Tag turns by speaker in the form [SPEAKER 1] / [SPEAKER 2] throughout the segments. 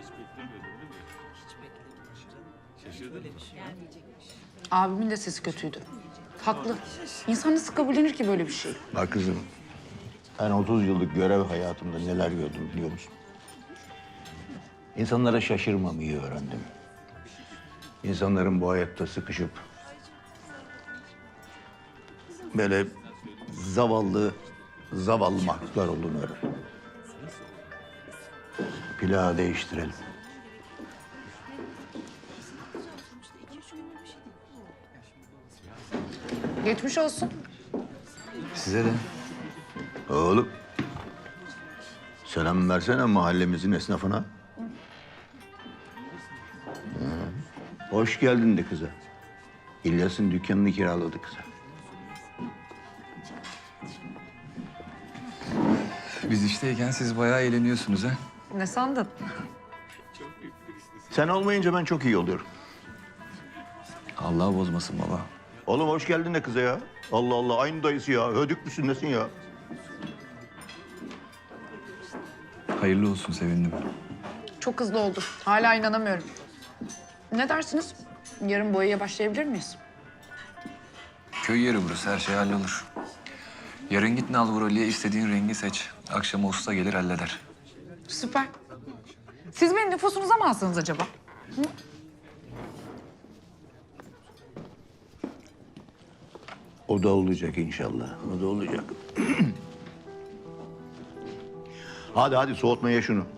[SPEAKER 1] Abimin de sesi kötüydü. Haklı. İnsan nasıl kabullenir ki böyle bir şey?
[SPEAKER 2] Bak kızım, ben 30 yıllık görev hayatımda neler gördüm biliyor musun? İnsanlara şaşırmamayı öğrendim. İnsanların bu hayatta sıkışıp böyle zavallı mahluklar olduğunu öğrendim. Plağı değiştirelim.
[SPEAKER 1] Geçmiş olsun.
[SPEAKER 3] Size de.
[SPEAKER 2] Oğlum, selam versene mahallemizin esnafına. Hoş geldin de kıza. İlyas'ın dükkanını kiraladı kıza.
[SPEAKER 3] Biz işteyken siz bayağı eğleniyorsunuz ha.
[SPEAKER 1] Ne sandın?
[SPEAKER 2] Sen olmayınca ben çok iyi oluyorum.
[SPEAKER 3] Allah bozmasın baba.
[SPEAKER 2] Oğlum hoş geldin de kıza ya. Allah Allah, aynı dayısı ya. Hödük müsün nesin ya?
[SPEAKER 3] Hayırlı olsun, sevindim.
[SPEAKER 1] Çok hızlı oldu. Hala inanamıyorum. Ne dersiniz? Yarın boyaya başlayabilir miyiz?
[SPEAKER 3] Köy yeri burası, her şey hallolur. Yarın git Nalburali'ye istediğin rengi seç. Akşama usta gelir halleder.
[SPEAKER 1] Süper. Siz beni nüfusunuza mı alsanız acaba?
[SPEAKER 2] O da olacak inşallah. O da olacak. Hadi soğutma ye şunu.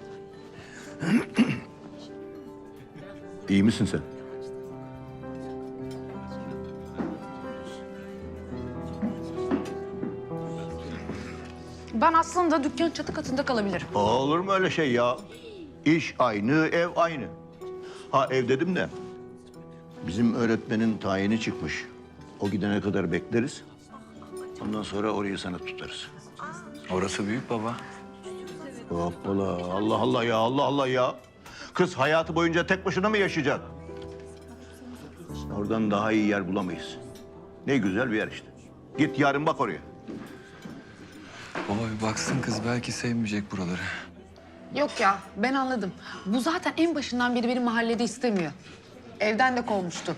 [SPEAKER 2] İyi misin sen?
[SPEAKER 1] Ben aslında dükkanın çatı katında kalabilirim.
[SPEAKER 2] Olur mu öyle şey ya? İş aynı, ev aynı. Ha ev dedim de bizim öğretmenin tayini çıkmış. O gidene kadar bekleriz. Ondan sonra orayı sana tutarız.
[SPEAKER 3] Orası büyük baba.
[SPEAKER 2] Hoppala, Allah Allah ya, Allah Allah ya. Kız hayatı boyunca tek başına mı yaşayacak? Oradan daha iyi yer bulamayız. Ne güzel bir yer işte. Git yarın bak oraya.
[SPEAKER 3] Baba bir baksın kız, belki sevmeyecek buraları.
[SPEAKER 1] Yok ya, ben anladım. Bu zaten en başından beri benim mahallede istemiyor. Evden de kovmuştu.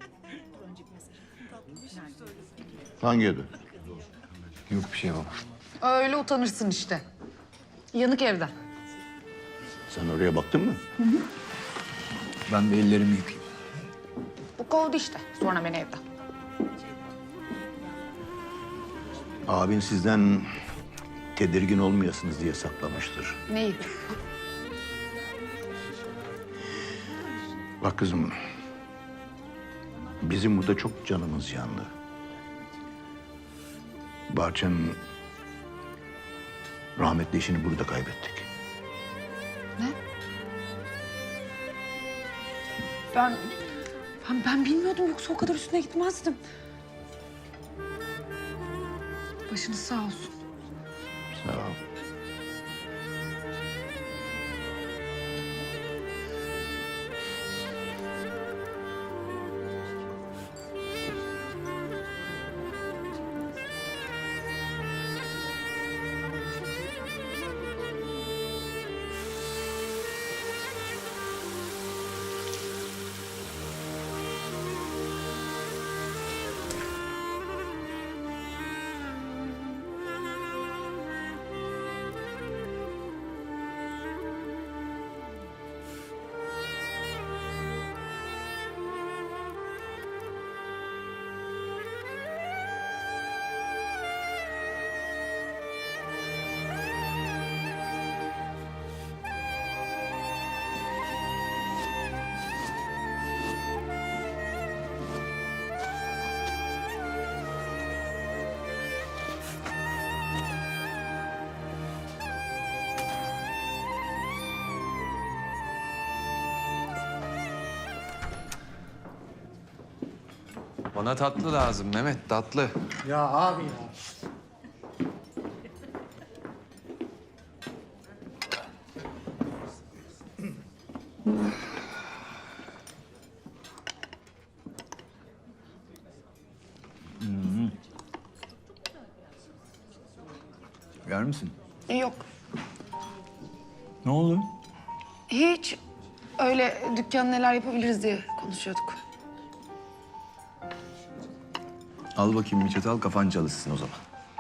[SPEAKER 2] Hangi evde?
[SPEAKER 3] Yok bir şey baba.
[SPEAKER 1] Öyle utanırsın işte. Yanık evden.
[SPEAKER 2] Sen oraya baktın mı?
[SPEAKER 3] Ben bir ellerimi yıkayayım.
[SPEAKER 1] Bu kovdu işte. Sonra beni evden.
[SPEAKER 2] Abin sizden tedirgin olmayasınız diye saklamıştır.
[SPEAKER 1] Neyi?
[SPEAKER 2] Bak kızım, bizim burada çok canımız yandı. Bahçe'nin rahmetli eşini burada kaybettik.
[SPEAKER 1] Ne? Ben bilmiyordum, yoksa o kadar üstüne gitmezdim. Başınız sağ olsun.
[SPEAKER 2] Sağ ol.
[SPEAKER 3] Bana tatlı lazım Mehmet, tatlı.
[SPEAKER 4] Ya abi ya.
[SPEAKER 3] Yer misin?
[SPEAKER 1] Yok.
[SPEAKER 3] Ne oldu?
[SPEAKER 1] Hiç. Öyle dükkan neler yapabiliriz diye konuşuyorduk.
[SPEAKER 4] Al bakayım bir çatal, kafan çalışsın o zaman.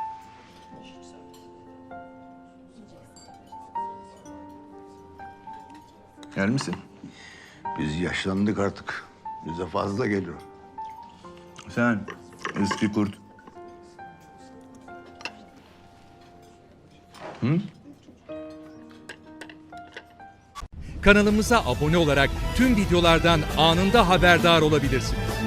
[SPEAKER 4] Yer misin?
[SPEAKER 2] Biz yaşlandık artık. Bize fazla geliyor.
[SPEAKER 4] Sen eski kurt.
[SPEAKER 5] Kanalımıza abone olarak tüm videolardan anında haberdar olabilirsiniz.